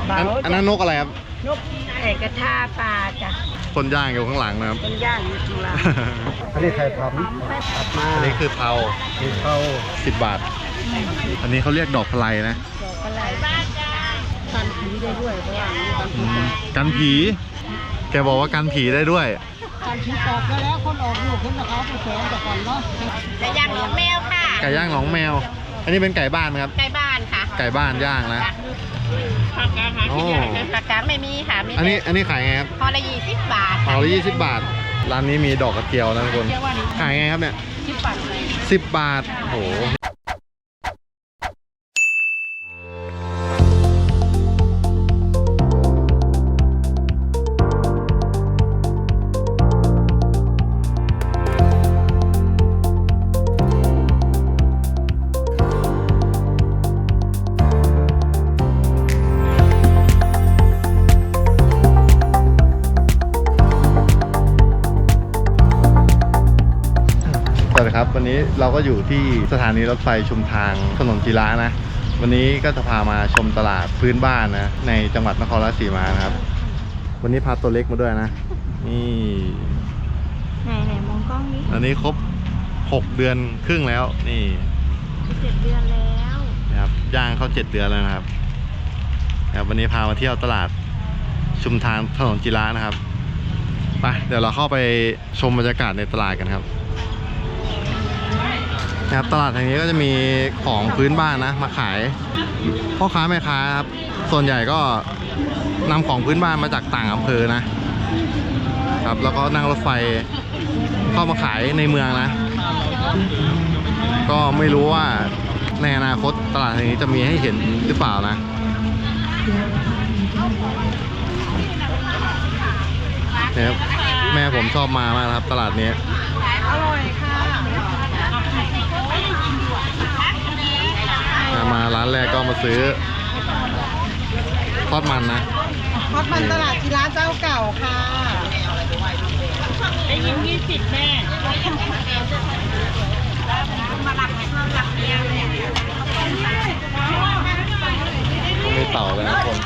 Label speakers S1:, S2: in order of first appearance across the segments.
S1: อันนั้นนกอะไรครับ
S2: นกกระทาปลาจ้ะ
S1: คนย่างอยู่ข้างหลังนะครับ
S2: คนย่างอยู่ข้างหลัง
S3: อันนี้ไข่ผำตัดมา
S1: อันนี้คือเผา10 บาทอันนี้เขาเรียกดอกพลายนะ
S2: ดอกอะไรกันผีได้ด้วยเพราะว่า
S1: กันผีแกบอกว่ากันผีได้ด้วย
S2: กันผีออกไปแล้วคนออกลูกคนนะครับไปแฝงแต่ก่อนเนาะไก่ย่างหนองแมวค่ะ
S1: ไก่ย่างหนองแมวอันนี้เป็นไก่บ้านไหมครับ
S2: ไก่บ้านค่ะ
S1: ไก่บ้านย่างนะ
S2: ผักกาดผักกาดไม่มีค่ะ
S1: อันนี้ขายไงครับ
S2: พอละ20 บาท
S1: พอละ20 บาทร้านนี้มีดอกกระเจียวนะทุกคนขายไงครับเนี่ย10 บาทโอ้โหสวัสดีครับวันนี้เราก็อยู่ที่สถานีรถไฟชุมทางถนนจีระนะวันนี้ก็จะพามาชมตลาดพื้นบ้านนะในจังหวัดนครราชสีมานะครับวันนี้พาตัวเล็กมาด้วยนะนี่
S2: ไหนมองกล้องนี้
S1: อันนี้ครบ6 เดือนครึ่งแล้วนี่
S2: 7 เดือนแล้ว
S1: นะครับย่างเข้า7 เดือนแล้วนะครับวันนี้พามาเที่ยวตลาดชุมทางถนนจีระนะครับไปเดี๋ยวเราเข้าไปชมบรรยากาศในตลาดกันครับตลาดแห่งนี้ก็จะมีของพื้นบ้านนะมาขายพ่อค้าแม่ค้าครับส่วนใหญ่ก็นำของพื้นบ้านมาจากต่างอำเภอนะครับแล้วก็นั่งรถไฟเข้ามาขายในเมืองนะก็ไม่รู้ว่าในอนาคตตลาดแห่งนี้จะมีให้เห็นหรือเปล่านะเนี่ยแม่ผมชอบมามากครับตลาดนี้
S2: อร่อยค่ะ
S1: มาร้านแรกก็มาซื้อทอดมันนะ
S2: ทอดมันตลาดจีระเจ้าเก่าค่ะได้ยิน20แม่มาหลักเดียวเนี่ย
S1: มีเต่าเลยนะคน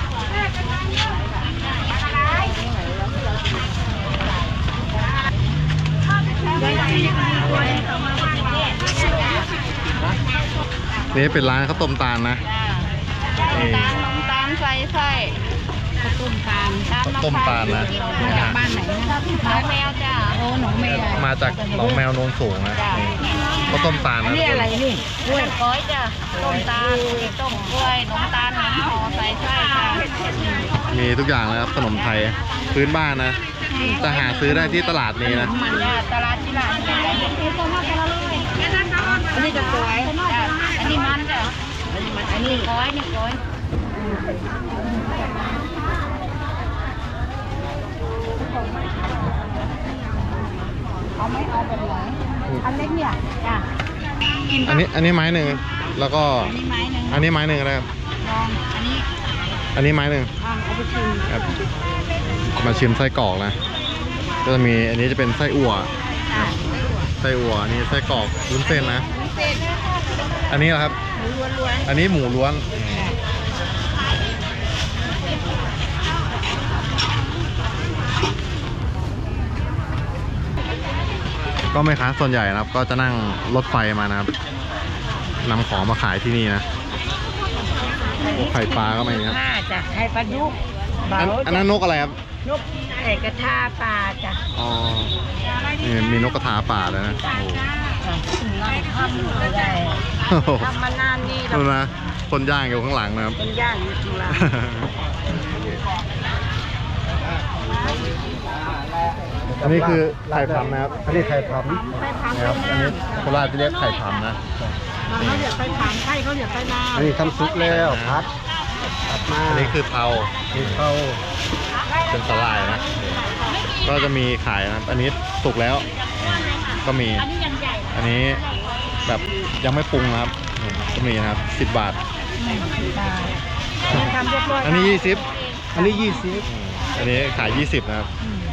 S1: นี่เป็นร้านข้าวต้มตาลนะ
S2: น้ำตาลใส่ไส้ข้าวต้มตาล
S1: ต้มตาลนะ
S2: มาจากบ้านไหนนะหนองแมวจ้ะโอ้หนองแมว
S1: มาจากหนองแมวโนนสูงนะข้าวต้มตาลนะ
S2: นี่อะไรนี่กล้วยก้อยจ้ะต้มตาลต้มกล้วยน้ำตาลน้ำห่อใส่ไส้จ้ะ
S1: มีทุกอย่างเลยครับขนมไทยพื้นบ้านนะจะหาซื้อได้ที่ตลาดนี้นะ
S2: ตลาดที่ร้านอันนี้จะสวยอันนี้มันจ้ะอันนี้ก้อยนี่ก้อยเอาไม่เอาเป็นไรอันเล็กเนี่ยจ้ะ
S1: อันนี้ไม้หนึ่งแล้วก็อันนี้ไม้หนึ่งอะไรครับอันนี้ไม้หนึ่ง
S2: เอาไปชิม
S1: ครับมาชิมไส้กรอกนะก็จะมีอันนี้จะเป็นไส้อั่วนี่ไส้กรอกวุ้นเส้นนะอันนี้เหรอครับอันนี้หมูล้วนก็ไม่ค้าส่วนใหญ่นะครับก็จะนั่งรถไฟมานะครับนำของมาขายที่นี่นะไข่ปลาก็มีครับ
S2: จ้ะไข่ปลาดุก
S1: อันนั้นนกอะไรครับ
S2: นกกระทาปลาจ้ะ
S1: อ๋อนี่มีนกกระทาป่าเลยนะ
S2: ทำมานานนี่
S1: ดูนะคนย่างอยู่ข้างหลังนะครับ
S2: คนย่างอยู่ข้างหลัง
S1: อันนี้คือไข่ผำนะครับ
S3: อันนี้ไข่ผำ
S1: นะครับอันนี้โคราชจะเรียกไข่ผำนะ
S2: เขาเรียกไข่ผำไข่เขาเรียกไข่น้ำ
S3: อันนี้ทำซุปแล้วพัดมา
S1: อันนี้คือเผาเป็นสลายนะก็จะมีขายนะอันนี้สุกแล้วก็มีอันนี้แบบยังไม่ปรุงนะครับก็มีนะครับ10 บาทอันนี้20
S3: อันนี้
S1: อันนี้ขาย20นะครับ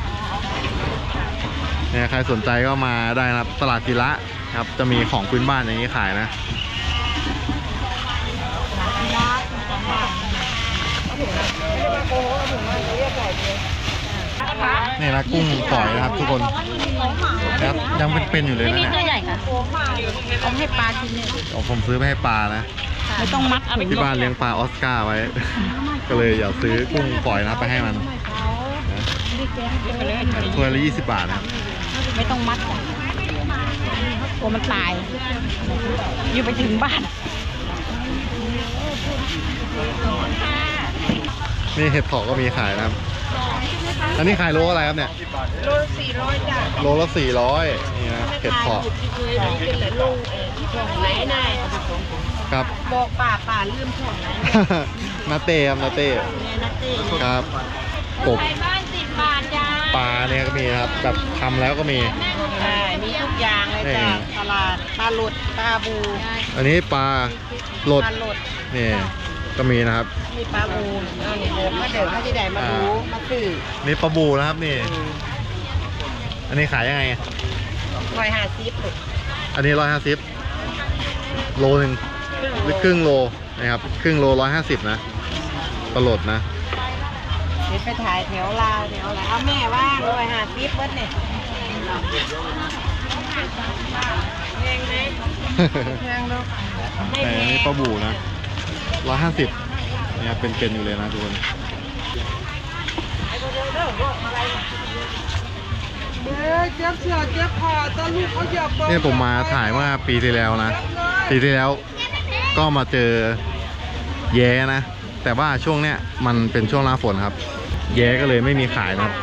S1: เนี่ยใครสนใจก็มาได้นะครับตลาดจีระครับจะมีของพื้นบ้านอย่างนี้ขายนะ
S2: เ
S1: นี่นะกุ้งฝอยนะครับทุกคนนะครับยังเป็นอยู่เลย
S2: ไม่
S1: นะ
S2: มี
S1: เนี่ย
S2: ตัวใหญ่ค่ะเอาให้ปลากินเนี่ย
S1: ผมซื้อไปให้ปลานะ
S2: ไม่ต้องมัดเอาไป
S1: ที่บ้านเลี้ยงปลาออสการ์ไว้ ก็เลยอยากซื้อกุ้งฝอยนะไปให้มันถ้วยละ20 บาทนะครับ
S2: ไม่ต้องมัดกลัวมันตายอยู่ไปถึงบ้าน
S1: นี่เห็ดถอบก็มีขายนะครับ อันนี้ขายโลอะไรครับเนี่ย
S2: โล400จ้ะ
S1: โลละ400นี่นะเห็ดถอบ
S2: เป็นเหลือลูกไหนนาย
S1: ครับ
S2: บอกป่าลืมของไหน
S1: นาเต้ครับนาเต้
S2: เนี่ยนัตตี้
S1: ครับกบ
S2: ไก่บ้าน10 บาทจ้า
S1: ปลาเนี่ยก็มีครับแบบทำแล้วก็มี
S2: ใช่มีทุกอย่างเลยจ้ะตลาดปลาหลุดปลาบู
S1: อันนี้ปลาโหลด
S2: ปลาหลุด
S1: นี่ก็มีนะครับ
S2: มีปลาบูเอาเนี่ยเดินมาเดินเขาที่ใดมาดูมาซื้อ
S1: นี่ปลาบูนะครับนี่ อันนี้ขายยังไง
S2: 150ลูก
S1: อันนี้150โลหนึ่งหรือครึ่งโลนะครับครึ่งโล150นะปลาโหลดนะ
S2: เดี๋ยวไปถ่ายแถวลาวเอาแม่ว่าง150เบิดเนี่ยแพงไหมแพงลูกไม่
S1: แต่
S2: แพ
S1: อัน
S2: ง
S1: นี้ปลาบูนะ150เนี่ยเป็นอยู่เลยนะทุกคนเนี่ยผมมาถ่ายเมื่อปีที่แล้วนะปีที่แล้วก็มาเจอแย้นะ แต่ว่าช่วงเนี้ยมันเป็นช่วงหน้าฝนครับ แย้ก็เลยไม่มีขายนะครับ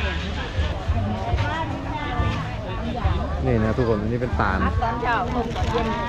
S1: นี่นะทุกคนอันนี้เป็นตาล
S2: ตอนเช้าลงเย็น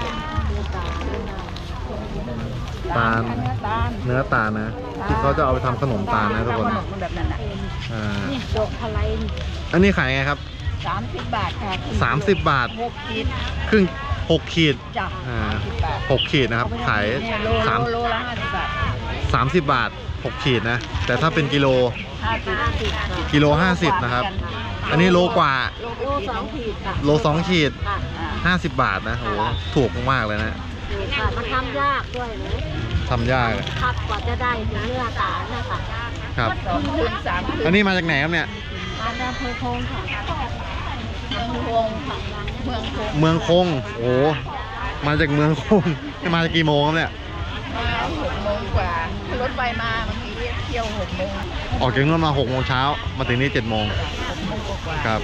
S1: ตาลเนื้อตาลนะที่เขาจะเอาไปทำขนมตาลนะทุกคน
S2: ขนมแบบนั้นน่ะ
S1: อ่า
S2: นี่ดอกพะไล
S1: อันนี้ขายไงครับ
S2: 30 บาทค่ะ
S1: 30 บาท
S2: 6 ขีด
S1: ครึ่ง6 ขีด
S2: จ้ะ
S1: อ่า
S2: 30 บาท
S1: 6 ขีดนะครับขาย
S2: เนี่ยโลละ50 บาท
S1: 30 บาท 6 ขีดนะ แต่ถ้าเป็นกิโล
S2: 50
S1: กิโล50นะครับ อันนี้โลกว่า
S2: โล2 ขีดค่ะ
S1: โล2 ขีด
S2: ค่ะ
S1: 50 บาทนะโหถูกมากๆเลยนะ
S2: มันทำยากด้วยนะ
S1: ทำยากเลย
S2: ครับกว่าจะได้เนื้อตาลนะคะ
S1: ครับ
S2: 2 คืน 3 คืน
S1: อันนี้มาจากไหนครับเนี่ย
S2: มาจากอำเภอโพงค่ะเมืองโพงค่ะเมืองโพง
S1: เมืองคงโอ้มาจากเมืองคงมาจากกี่โมงครับเนี่ย
S2: มา6 โมงกว่ารถไฟมาเมื่อกี้เที่ยว6 โมง
S1: ออกจากนู่นมา6 โมงเช้ามาถึงนี่7 โมง
S2: 6 โมงกว่า
S1: ครับ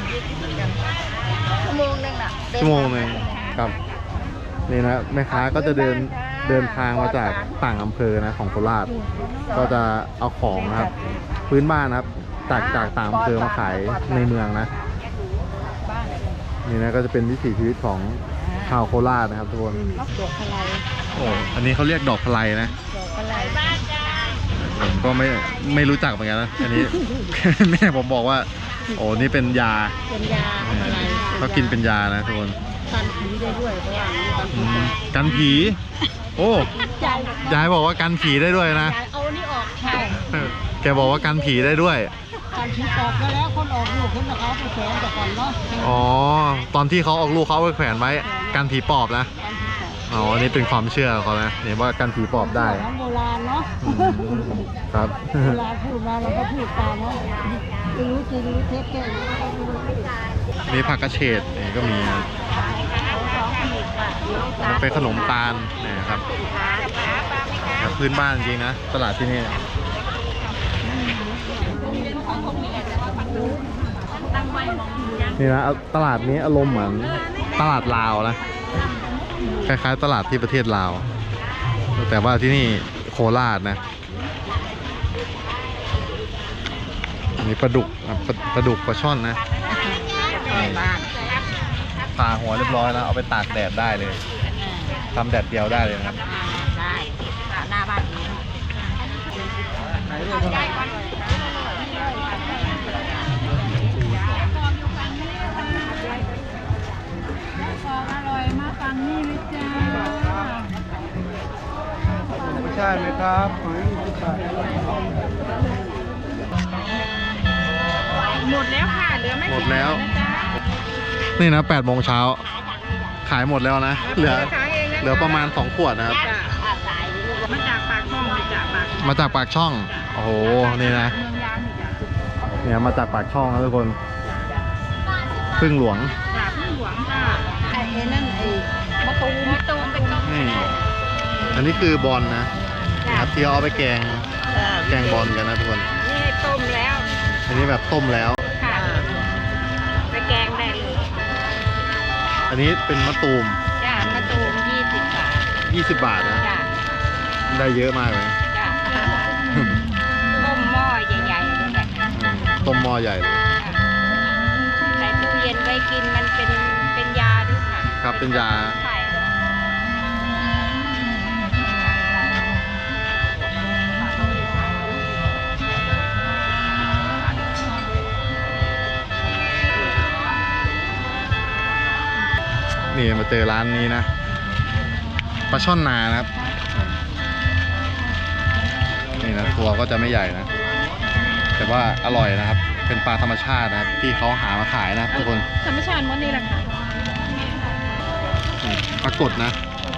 S2: ชั่วโมงนึงน่ะ
S1: ชั่วโมงหนึ่งครับนี่นะแม่ค้าก็จะเดินทางมาจากต่างอำเภอนะของโคราชก็จะเอาของนะครับ พื้นบ้านนะครับจากต่างอำเภอมาขายในเมืองนะนี่นะก็จะเป็นวิถีชีวิตของชาวโคราชนะครับทุกคน
S2: ดอกอะไร
S1: โอ้อันนี้เขาเรียกดอกพะไลนะ
S2: ดอกอะไรบ้านจ้า
S1: ผมก็ไม่รู้จักเหมือนกันนะอันนี้ แม่ผมบอกว่า โอ้นี่เป็นยา
S2: เป็นยาอะไร
S1: เขากินเป็นยานะทุกคน
S2: กันผีได้ด้วยเพราะว่า
S1: อืมกันผีโอ้
S2: ใจ
S1: ยายบอกว่ากันผีได้ด้วยนะ
S2: เอานี่ออกใช่
S1: แกบอกว่ากันผีได้ด้วย
S2: กันผีออกไปแล้วคนออกลูกคนเขาไปแขวนแต่ก่อนเนาะ
S1: อ๋อ ตอนที่เขาออกลูกเขาเอาไปแขวนไว้ กันผีปอบนะ อ๋อ อันนี้เป็นความเชื่อเขานะเนี่ยว่ากันผีปอบได้
S2: ของโบราณเนาะ
S1: อืมครับ
S2: เวลาพูดมาเราก็พูดตามเนาะไม่รู้จริงรู้เท็จแค่ไหน
S1: มีผักกระเฉดนี่ก็มีนะมันเป็นขนมตาลเนี่ยครับแบบพื้นบ้านจริงนะ ตลาดที่นี่ นี่นะตลาดนี้อารมณ์เหมือนตลาดลาวนะ คล้ายๆตลาดที่ประเทศลาว แต่ว่าที่นี่โคราชนะอันนี้ปลาดุกนะปลาดุกปลาช่อนนะผ่าหัวเรียบร้อยแล้วเอาไปตากแดดได้เลยทำแดดเดียวได้เลยนะครับ
S2: ได้หน้าบ้านนี้ของอร่อยมาฟังนี่เลยจ้า
S3: ไม่ใช่ไหมครับหอยไม่ใช่
S2: หมดแล้วค่ะเหลือไม่
S1: หม
S2: กี่
S1: ดแล้ว
S2: นะจ๊ะ
S1: นี่นะ8 โมงเช้าขายหมดแล้วนะ เหลือประมาณ2 ขวดนะครับ
S2: มาจากปากช่องมาจากปาก
S1: มาจากปากช่อง
S2: จ้ะ
S1: โอ้โหนี่นะ
S2: เมืองยางนี่จ้ะ
S1: เนี่ยมาจากปากช่องนะทุกคนพึ่งหลวง
S2: จ้ะพึ่งหลวงจ้ะไอ้นั่นไอ้มะตูมเป็นต้ม
S1: นี่อันนี้คือบอลนะนะครับที่เอาไปแกงบอลกันนะทุกคน
S2: นี่ต้มแล้ว
S1: อันนี้แบบต้มแล้ว
S2: ค่ะไปแกงได้เลย
S1: อันนี้เป็นมะตูม
S2: จ้ะมะตูม20 บาท
S1: 20 บาทนะ
S2: จ้ะ
S1: ได้เยอะมากเลย
S2: จ้ะต้มหม้อใหญ่ๆเลยแหละ
S1: ต้มหม้อใหญ่เลย
S2: ใส่ตู้เย็นไว้กินมันเป็นยาด้วยค่ะ
S1: ครับเป็นยา
S2: ใช่
S1: นี่มาเจอร้านนี้นะปลาช่อนนานะครับนี่นะตัวก็จะไม่ใหญ่นะ แต่ว่าอร่อยนะครับ เป็นปลาธรรมชาตินะครับที่เขาหามาขายนะครับทุกคน
S2: ธรรมชาติหมดนี่แหละค่ะ
S1: ปลากดนะ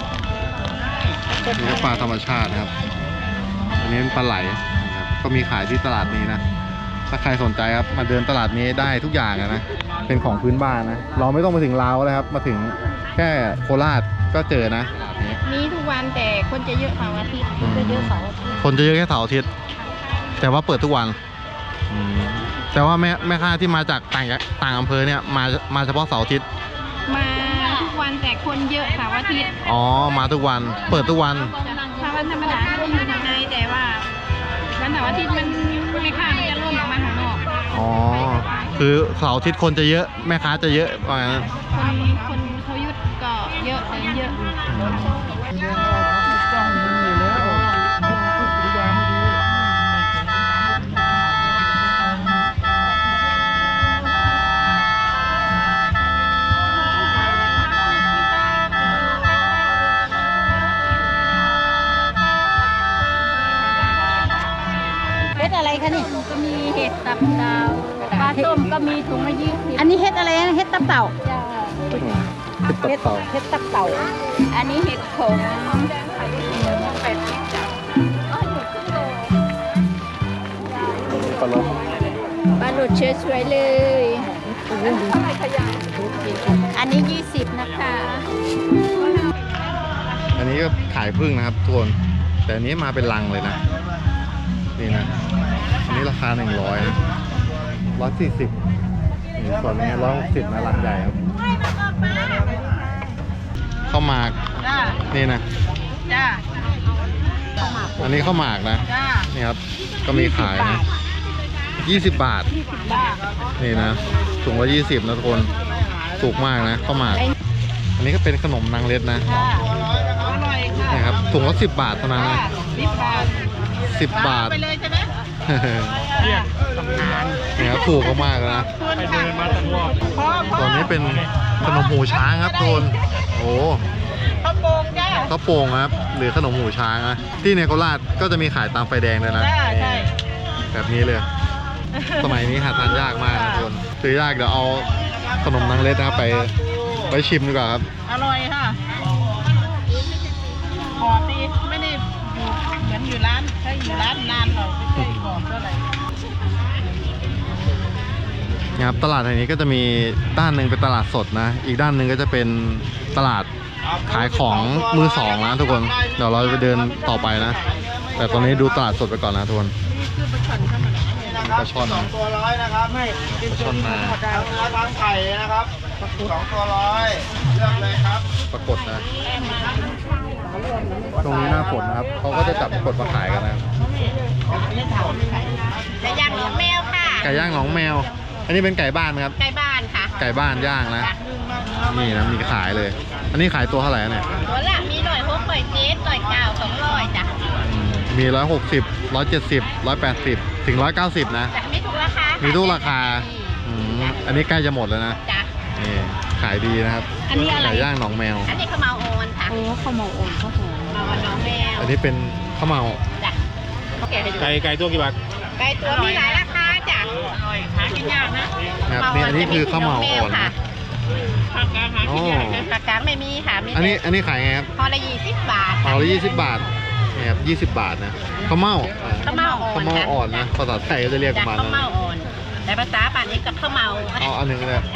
S1: นี่ก็ปลาธรรมชาตินะครับ อันนี้เป็นปลาไหลนะครับก็มีขายที่ตลาดนี้นะ ถ้าใครสนใจครับมาเดินตลาดนี้ได้ทุกอย่างนะ เป็นของพื้นบ้านนะ เราไม่ต้องมาถึงลาวเลยครับ มาถึงแค่โคราชก็เจอนะตลาดนี้
S2: มีทุกวันแต่คนจะเยอะเสาร์อาทิตย์คนจะเยอะเสาร์อาทิตย์
S1: คนจะเยอะแค่เสาร์อาทิตย์แต่ว่าเปิดทุกวันแต่ว่าแม่ค้าที่มาจากต่างอำเภอเนี่ยมาเฉพาะเสาร์อาทิตย์
S2: มาทุกวันแต่คนเยอะเสาร์อาทิตย์
S1: อ๋อมาทุกวันเปิดทุกวัน
S2: ถ้าวันธรรมดาก็จะอยู่ข้างในแต่ว่าวันเสาร์อาทิตย์มันไม่ค่ามันจะร่วมออกมาข้างนอก
S1: อ๋อคือเสาร์อาทิตย์คนจะเยอะแม่ค้าจะเยอะว่างั้น
S2: คนเขาหยุดก็เยอะเลยเยอะ
S3: จ้องยิงอยู่แล้วทุกอย่างไม่ดี
S2: เฮ็ดอะไรคะนี่ก็มีเห็ดตับเต่าปลาต้มก็มีถุงละ20
S4: อันนี้เฮ็ดอะไรนะเฮ็ดตับเต่า
S2: จ้า
S1: เป็นตับเต่า
S4: เฮ็ดตับเต่า
S2: อันนี้เห็ดขม80จ้ะ
S1: ปลาลบ
S2: ปลาหลุดสวยๆเลย อันนี้20นะคะ
S1: อันนี้ก็ขายพึ่งนะครับทุกคนแต่อันนี้มาเป็นลังเลยนะนี่นะอันนี้ราคา100นะ140นี่ส่วนนี้160นะลังใหญ่ครับข้าวหมาก
S2: จ้า
S1: นี่นะ
S2: จ้า
S1: อันนี้ข้าวหมากนะ
S2: จ้า
S1: นี่ครับก็มีขายนะ20 บาท
S2: จ้า
S1: นี่นะถุงละ20นะทุกคนถูกมากนะข้าวหมากอันนี้ก็เป็นขนมนางเล็ดนะ
S2: ค่ะอร่อยค่ะ
S1: นี่ครับถุงละ10 บาทเท่านั้นนะ
S2: 10 บาท
S1: 10 บาท
S2: ไปเลยใช่ไหม
S1: นี่ครับถูกมากๆเลยนะ
S3: ไปเดินมาตลอด
S1: ส่วนนี้เป็นขนมหูช้างครับทุกคนโอ้
S2: ข้าวโป่งจ้า
S1: ข้าวโป่งครับหรือขนมหูช้างนะที่ในโคราชก็จะมีขายตามไฟแดงเลยนะ
S2: ใช่
S1: แบบนี้เลย สมัยนี้หาทานยากมากนะทุกคนซื้อยากเดี๋ยวเอาขนมนางเล็ดนะครับไปชิมดีกว่าครับ
S2: อร่อยค่ะหอมดีไม่ได้อยู่เหมือนอยู่ร้านถ้าอยู่ร้านนานเราไม่เคยหอมเท่าไหร่
S1: นะครับตลาดแห่งนี้ก็จะมีด้านหนึ่งเป็นตลาดสดนะ อีกด้านหนึ่งก็จะเป็นตลาดขายของมือสองนะทุกคนเดี๋ยวเราจะไปเดินต่อไปนะ แต่ตอนนี้ดูตลาดสดไปก่อนนะทุกคน ปลาช่อน
S3: 2 ตัว100นะครับไม่
S1: ปลาช่อนนา
S3: ทางไข่นะครับ2 ตัว100เลือกเลยครับ
S1: ปรากฏนะตรงนี้หน้าฝนนะครับเขาก็จะจับปรากฏมาขายกันนะ
S2: ไก่ย่างหนองแมวค่ะ
S1: ไก่ย่างหนองแมว อันนี้เป็นไก่บ้านไหมครับ
S2: ไก่บ้านค่ะ
S1: ไก่บ้านย่างนะนี่นะมีขายเลย อันนี้ขายตัวเท่าไหร่เนี่ย
S2: ตัวละมีหน่อยพวกหน่อยเจ๊หน่อยเก่า200จ้ะ
S1: มี160 170 180ถึง190นะ
S2: จ้ะมีทุกราคา
S1: มี
S2: มี
S1: ทุกราคาอันนี้ใกล้จะหมดแล้วนะ
S2: จ้ะ
S1: นี่ขายดีนะครับ
S2: อันนี้อะไร
S1: ไก่ย่างหนองแมว
S2: อันนี้ข้าวเมาโอนค่ะ
S4: โอ้ข้าวหมกอ่อนข้าวหอม
S2: เมาน้องแมว
S1: อันนี้เป็นข้าวเมา
S2: จ้ะแกะให้ดู
S3: ไก่ตัวกี่บาท
S2: ไก่ตัวมีหลายราคาจ้ะอร่อยหากินยากนะ
S1: นะครับนี่อันนี้คือข้าวเมาอ่อนนะ
S2: ผักกาหากินยากนะผักกาดไม่มีค่ะมี
S1: อันนี้ขายไงครับ
S2: พอละ20 บาท
S1: ห่อละ20 บาท โอ้นี่ครับ20 บาทนะข้าวเม่า
S2: ข้าวเม่าอ่อน
S1: ข้าวเม่าอ่อนนะภาษาไทยก็จะเรียกป
S2: จาก
S1: ระมาณ
S2: ข้าว
S1: นั้น
S2: เม่าอ่อนแต่ภาษาป่านนี้กับข้าวเมา
S1: เอาอันหนึ่งเลย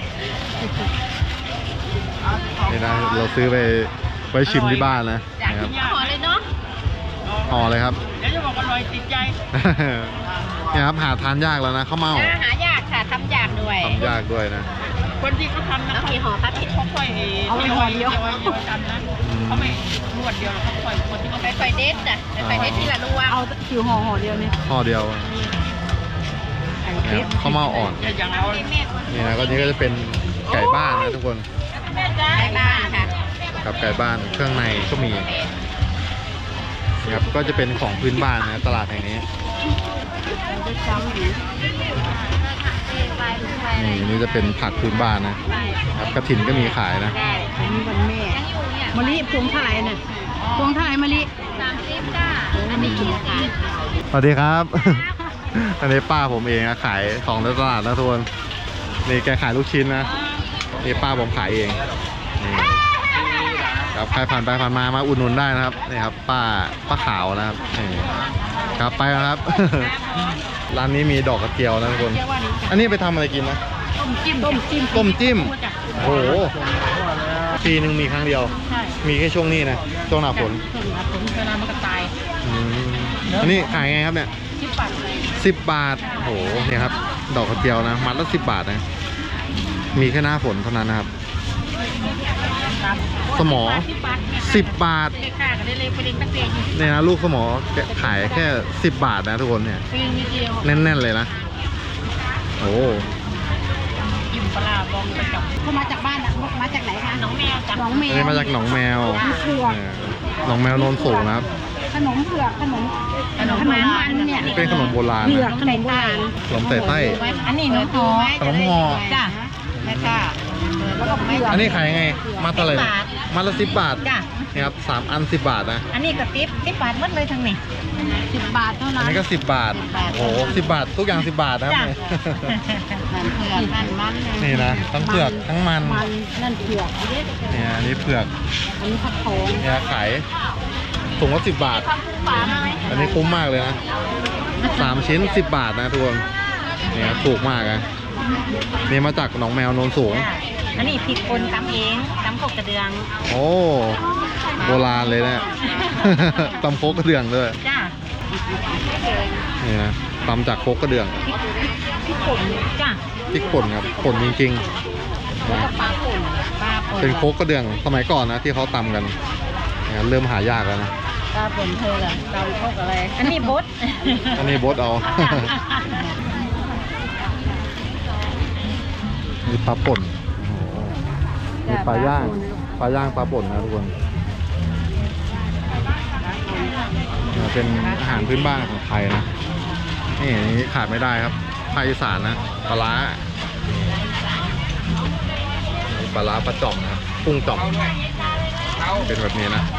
S1: นี่นะเราซื้อไปไว้ชิมที่บ้านนะ
S2: จาก
S1: นะครับ
S2: ที่ห่อเลยเนาะ
S1: ห่อเลยครับ
S2: แล้วจะบอกอร่อยติดใจ
S1: เนี่ยครับหาทานยากแล้วนะข้าวเม่า
S2: หายากค่ะทำยากด้วย
S1: ทำยากด้วยนะ
S2: คนที่เขาทำนะกี่ห่อครับพี่ค่อยๆเอาห่อเดียวกันนะเขาไม่รวดเดียวเขาค่อยคนที่เขาไปค่อยเด็ดจ้ะไปเด็ดทีละรวง
S4: เอาคิวห่อเดียวเนี่ย
S1: ห่อเดียวนะครับข้าวเม่าอ่อน
S2: อย่างเอา
S1: นี่นะก็นี่ก็จะเป็นไก่บ้านนะทุกคน
S2: ไก่บ้านค่ะ
S1: กับไก่บ้านเครื่องในก็มีนะครับก็จะเป็นของพื้นบ้านนะตลาดแห่งนี้นี่จะเป็นผักพื้นบ้านนะครับกระถินก็มีขายนะ
S4: อันนี้วันแม่มะลิพวงเท่าไหร่น่ะพวงเท่าไหร่มะลิ
S2: 30จ้าอันนี้คิดค่ะ
S1: สวัสดีครับ อันนี้ป้าผมเองนะขายของในตลาดนะทุกคนนี่แกขายลูกชิ้นนะนี่ป้าผมขายเองนี่ครับใครผ่านไปผ่านมาอุดหนุนได้นะครับนี่ครับป้าขาวนะครับนี่ครับไปแล้วครับ ร้านนี้มีดอกกระเจียวนะทุกคนอันนี้ไปทำอะไรกินนะ
S2: ต้มจิ้ม
S1: ต้มจิ้มโอ้โหปีหนึ่งมีครั้งเดียว
S2: ใช่
S1: มีแค่ช่วงนี้นะช่วงหน้าฝน
S2: ผลเวลามันก็ตาย
S1: อืมอันนี้ขายไงครับเนี่ย
S2: ที่ปั่นเลย
S1: 10 บาทโอ้โหเนี่ยครับดอกกระเจียวนะมัดละ10 บาทนะมีแค่หน้าฝนเท่านั้นนะครับ สมอ 10 บาท
S2: เด็กค่ะก็ได้เลยไปเด็กนักเรียนอยู่
S1: เนี่ยนะลูกสมอขายแค่10 บาทนะทุกคนเนี่ย
S2: ปีนิดเดียว
S1: แน่นๆเลยนะโอ้
S2: ยิ้มปลาบองไปกับ
S4: เขามาจากบ้านอ่ะมาจากไหนคะ
S2: น้องแมวจ้ะ
S4: หนองแม
S1: อันนี้
S4: ว
S1: มาจากหนองแมว
S4: เผือก
S1: เนี่ยหนองแมวโนนสูงนะครับ
S4: ขนมเผือกขนมมันเนี่ย
S1: นี่เป็นขนมโบราณ
S4: เผือก
S1: นะ
S4: ขนมโบราณ
S1: ขนมใส่ไส้
S2: อันนี้น้องหอ
S1: ขนมห่อ
S2: จ้ะแล้วก็
S4: แล้วก็เผือก
S1: อันนี้ขายไงมัดเท่าไหร่เนี่ยมัดละ10 บาท
S2: จ้ะ
S1: นี่ครับ3 อัน 10 บาทนะ
S2: อันนี้ก็ติ๊บบาทหมดเลยทั้งนี้
S4: 10 บาทเท่า
S1: อั
S4: นั้น น
S1: นี้ก็10 บาทโอ้โห10 บาททุกอย่าง10 บาทนะครับ
S2: จ้ะ
S4: มันเผือกมัน
S1: นี่นะทั้งเผือกทั้งมัน
S4: มันนั่นเผือก
S1: เนี่ยอันนี้เผือก
S4: อันนี้ผักโขง
S1: เนี่ยขายถุงละ10 บาท อันนี้คุ้มมากเลยนะ3 ชิ้น 10 บาทนะทุกคนเนี่ยถูกมากนะนี่มาจากหนองแมวโนนสูง
S2: อันนี้ผิดคนตำเองตำกบกระเดือง
S1: โอ้โบราณเลยนะ ตำโคกกระเดื่องด้วย
S2: จ้ะ
S1: นี่นะตำจากโคกกระเดื่อง
S2: พี่ป่นจ้ะ
S1: พริกป่นครับป่นจริงๆนะ
S2: ปลาป่นปลาป่น
S1: เป็นโคกกระเดื่องสมัยก่อนนะที่เขาตำกันเนี่ยเริ่มหายากแล้วนะ
S2: ปลาป่นเธอเหรอปลาโคกอะไรอันนี้บด
S1: อันนี้บดเอา มีปลาป่นโอ้โหมีปลาย่างปลาป่นนะทุกคนเนี่ยเป็นอาหารพื้นบ้านของไทยนะนี่อันนี้ขาดไม่ได้ครับภาคอีสานนะปลาร้ามีปลาร้าปลาจ่อมนะครับกุ้งจ่อมเป็นแบบนี้นะ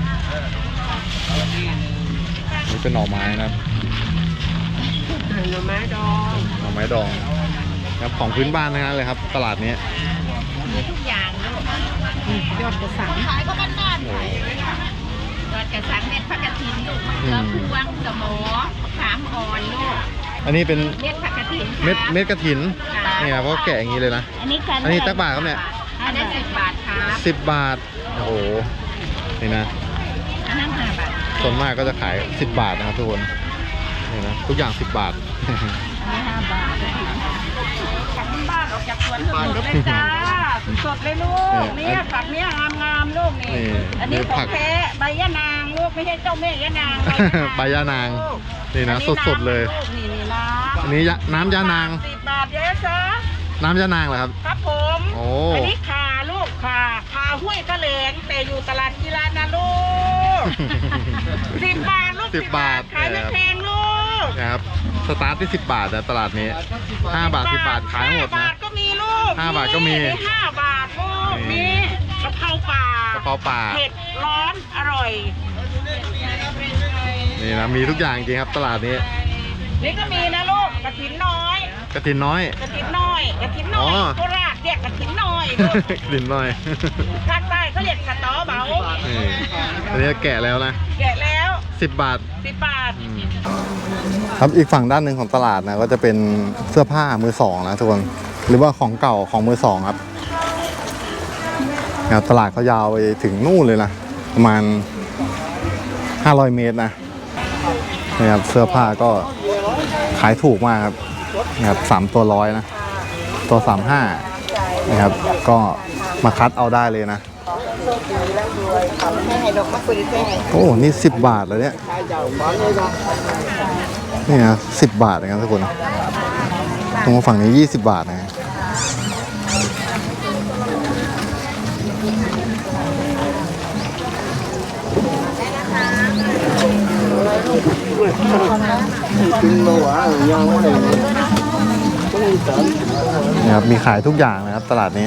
S1: นี่เป็นหน่อไม้นะครับ
S2: หน่อไม้ดอง
S1: หน่อไม้ดองครับของพื้นบ้านทั้งนั้นเลยครับ ตลาดนี้
S2: มีทุกอย่างลูก
S4: ยอดกระสัง
S2: ขายก็บ้านๆยอดกระสังเม็ดผักกระถินลูกมะเขือพวงสมอขามอ่อนลูก
S1: อันนี้เป็น
S2: เม็ดผักกระถิน
S1: เม็ดกระถินเนี่ยเพราะแกะอย่างนี้เลยนะ
S2: อันนี้
S1: อันนี้ตักบาทครับเนี่ย
S2: อันนี้10 บาทครับ
S1: 10 บาทโอ้โหนี่นะ
S2: อันนั้น5 บาท
S1: ส่วนมากก็จะขาย10 บาทนะครับทุกคนนี่นะทุกอย่าง10 บาท
S2: อันนี้5 บาทจากบ้านออกจากสวนสดเลยจ้าสดเลยลูกเนี่ยผักเนี่ยงามๆลูกนี่
S1: นี่
S2: อันนี้
S1: นี่
S2: ขอ
S1: ผั
S2: ง
S1: ก
S2: แท้ใบยะนางลูกไม่ใช่เจ้าแม่ยะนาง
S1: ใบย่านางนี่นะสดๆเลย
S2: นี่น้
S1: อันนี้น้ำยานาง
S2: 10 บาทเยอะจ้า
S1: น้ำยานางเหรอครับ
S2: ครับผม
S1: โอ้
S2: อันนี้ขาลูกขาห้วยกระเหลงแต่อยู่ตลาดกีฬานะลูก 10 บาทลูก
S1: 10 บาท
S2: ขายไม่แพงลูก
S1: นะครับสตาร์ทที่10 บาทนะตลาดนี้5 บาท10 บาทขายหมด
S2: 5 บา
S1: นะ
S2: ทก็มีลูก
S1: 5 บาทก็มี
S2: 5 บาทลูก
S1: นี่
S2: มีกะเพราป่าก
S1: ระเพราป่า
S2: เผ็ดร้อนอร่อย
S1: นี่นะมีทุกอย่างจริงครับตลาดนี้
S2: นี่ก็มีนะลูกกระถินน้อย
S1: กระถินน้อย
S2: กระถินน้อยกระถินน้อ
S1: อ๋
S2: ย
S1: อ
S2: โคราชเรียกกระถินน้อยลูก
S1: กระถินน้อย
S2: ภาคใต้เขาเรียกกระตอเบา
S1: นี่อันนี้แกะแล้วนะ
S2: แกะแล้ว
S1: 10 บาท
S2: 10 บาท
S1: ครับอีกฝั่งด้านหนึ่งของตลาดนะก็จะเป็นเสื้อผ้ามือสองนะทุกคนหรือว่าของเก่าของมือสองครับตลาดเขายาวไปถึงนู่นเลยนะประมาณ500 เมตรนะครับเสื้อผ้าก็ขายถูกมากครับนะครับ3 ตัว100นะตัว35นะครับก็มาคัดเอาได้เลยนะโอ้นี่10 บาทเลยเนี่ยนี่นะ10 บาทนะครับทุกคนตรงฝั่งนี้20 บาทนะนี่ครับมีขายทุกอย่างนะครับตลาดนี้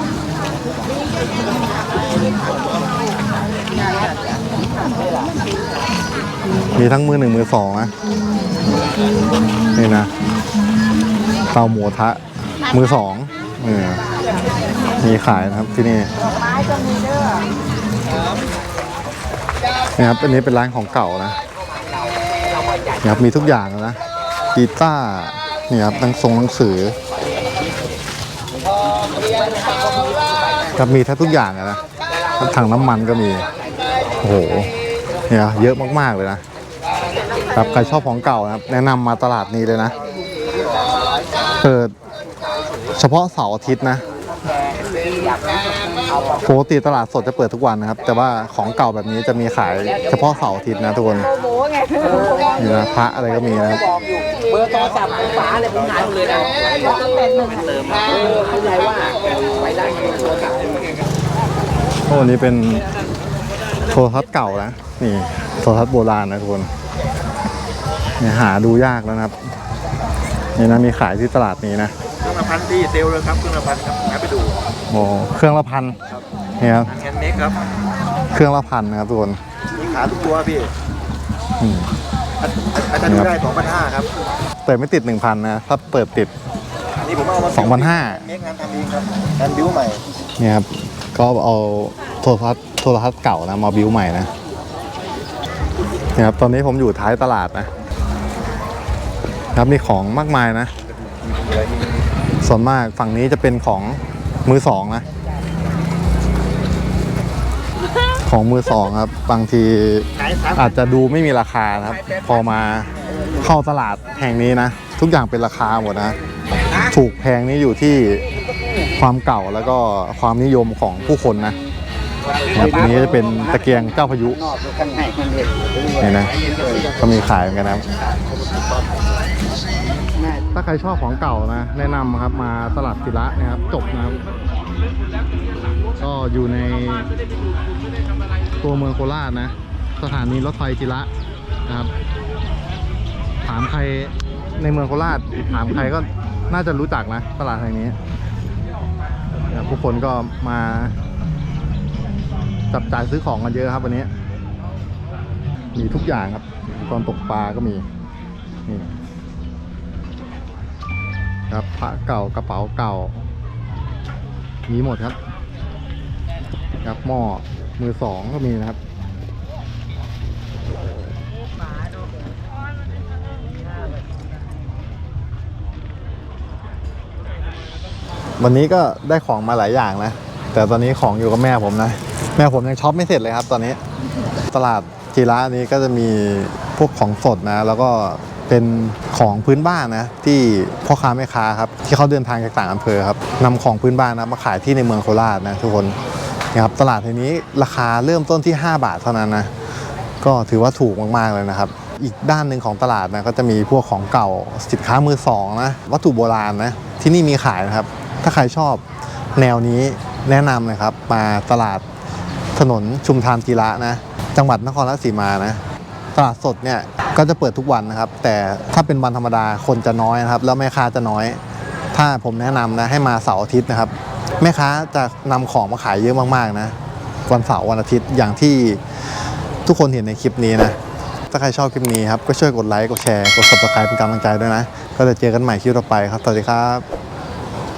S1: มีทั้งมือหนึ่งมือสองนะนี่นะเตาหมูทะมือสองมีขายนะครับที่นี่นะครับอันนี้เป็นร้านของเก่านะครับมีทุกอย่างนะกีตาร์นี่ครับหนังสือครับมีทุกอย่างนะถังน้ำมันก็มีโอ้โหเนี่ยเยอะมากๆเลยนะครับใครชอบของเก่านะครับแนะนำมาตลาดนี้เลยนะเปิดเฉพาะเสาร์อาทิตย์นะปกติตลาดสดจะเปิดทุกวันนะครับแต่ว่าของเก่าแบบนี้จะมีขายเฉพาะเสาร์อาทิตย์นะทุกคนนี่นะพระอะไรก็มีนะครับ
S3: เบอร์โทรศัพท์ฝาเลยผมหายหมดเลยนะเติมเข้าใจว่าไปได้โทรศัพท์
S1: โอ้นี่เป็นโทรทัศน์เก่านะนี่โทรทัศน์โบราณนะทุกคนเนี่ยหาดูยากแล้วนะครับนี่นะมีขายที่ตลาดนี้นะ
S3: เครื่องละพันที่เซลเลยครับเครื่องละพันครับงั้นไปดู
S1: โอ้เครื่องละพันนี่ครับ
S3: แฮนด์เมดครับ
S1: เครื่องละพันนะครับทุกคน
S3: มีขาทุกตัวพี่อาจารย์ดูได้2,500ครับ
S1: เปิดไม่ติด 1,000 นะถ้าเปิดติด
S3: นี่ผมเอามา
S1: 2,500
S3: เมคงานทำเองครับงานบิ้วใหม่
S1: นี่ครับก็เอาโทรทัศน์เก่านะมาบิ้วใหม่นะนี่ครับตอนนี้ผมอยู่ท้ายตลาดนะครับมีของมากมายนะส่วนมากฝั่งนี้จะเป็นของมือสองนะของมือสองครับบางทีอาจจะดูไม่มีราคานะครับพอมาเข้าตลาดแห่งนี้นะทุกอย่างเป็นราคาหมดนะถูกแพงนี่อยู่ที่ความเก่าแล้วก็ความนิยมของผู้คนนะครับอันนี้จะเป็นตะเกียงเจ้าพายุนี่นะก็มีขายเหมือนกันนะครับถ้าใครชอบของเก่านะแนะนำครับมาตลาดศิระนะครับจบนะครับก็อยู่ในตัวเมืองโคราชนะสถานีรถไฟศิระนะครับถามใครในเมืองโคราชถามใครก็น่าจะรู้จักนะตลาดแห่งนี้ผู้คนก็มาจับจ่ายซื้อของกันเยอะครับวันนี้มีทุกอย่างครับตอนตกปลาก็มีนี่ครับพระเก่ากระเป๋าเก่ามีหมดครับครับหม้อมือสองก็มีนะครับ วันนี้ก็ได้ของมาหลายอย่างนะแต่ตอนนี้ของอยู่กับแม่ผมนะแม่ผมยังช็อปไม่เสร็จเลยครับตอนนี้ตลาดจีระนี้ก็จะมีพวกของสดนะแล้วก็เป็นของพื้นบ้านนะที่พ่อค้าแม่ค้าครับที่เขาเดินทางจากต่างอำเภอครับนำของพื้นบ้านนะมาขายที่ในเมืองโคราชนะทุกคนนะครับตลาดแห่งนี้ราคาเริ่มต้นที่5 บาทเท่านั้นนะก็ถือว่าถูกมากๆเลยนะครับอีกด้านหนึ่งของตลาดนะก็จะมีพวกของเก่าสินค้ามือสองนะวัตถุโบราณนะที่นี่มีขายนะครับถ้าใครชอบแนวนี้แนะนำเลยครับมาตลาดถนนชุมทางจีระนะจังหวัดนครราชสีมานะตลาดสดเนี่ยก็จะเปิดทุกวันนะครับแต่ถ้าเป็นวันธรรมดาคนจะน้อยนะครับแล้วแม่ค้าจะน้อยถ้าผมแนะนำนะให้มาเสาร์อาทิตย์นะครับแม่ค้าจะนำของมาขายเยอะมากๆนะวันเสาร์วันอาทิตย์อย่างที่ทุกคนเห็นในคลิปนี้นะถ้าใครชอบคลิปนี้ครับก็ช่วยกดไลค์กดแชร์กด Subscribe เป็นกำลังใจด้วยนะก็จะเจอกันใหม่คลิปต่อไปครับสวัสดีครับ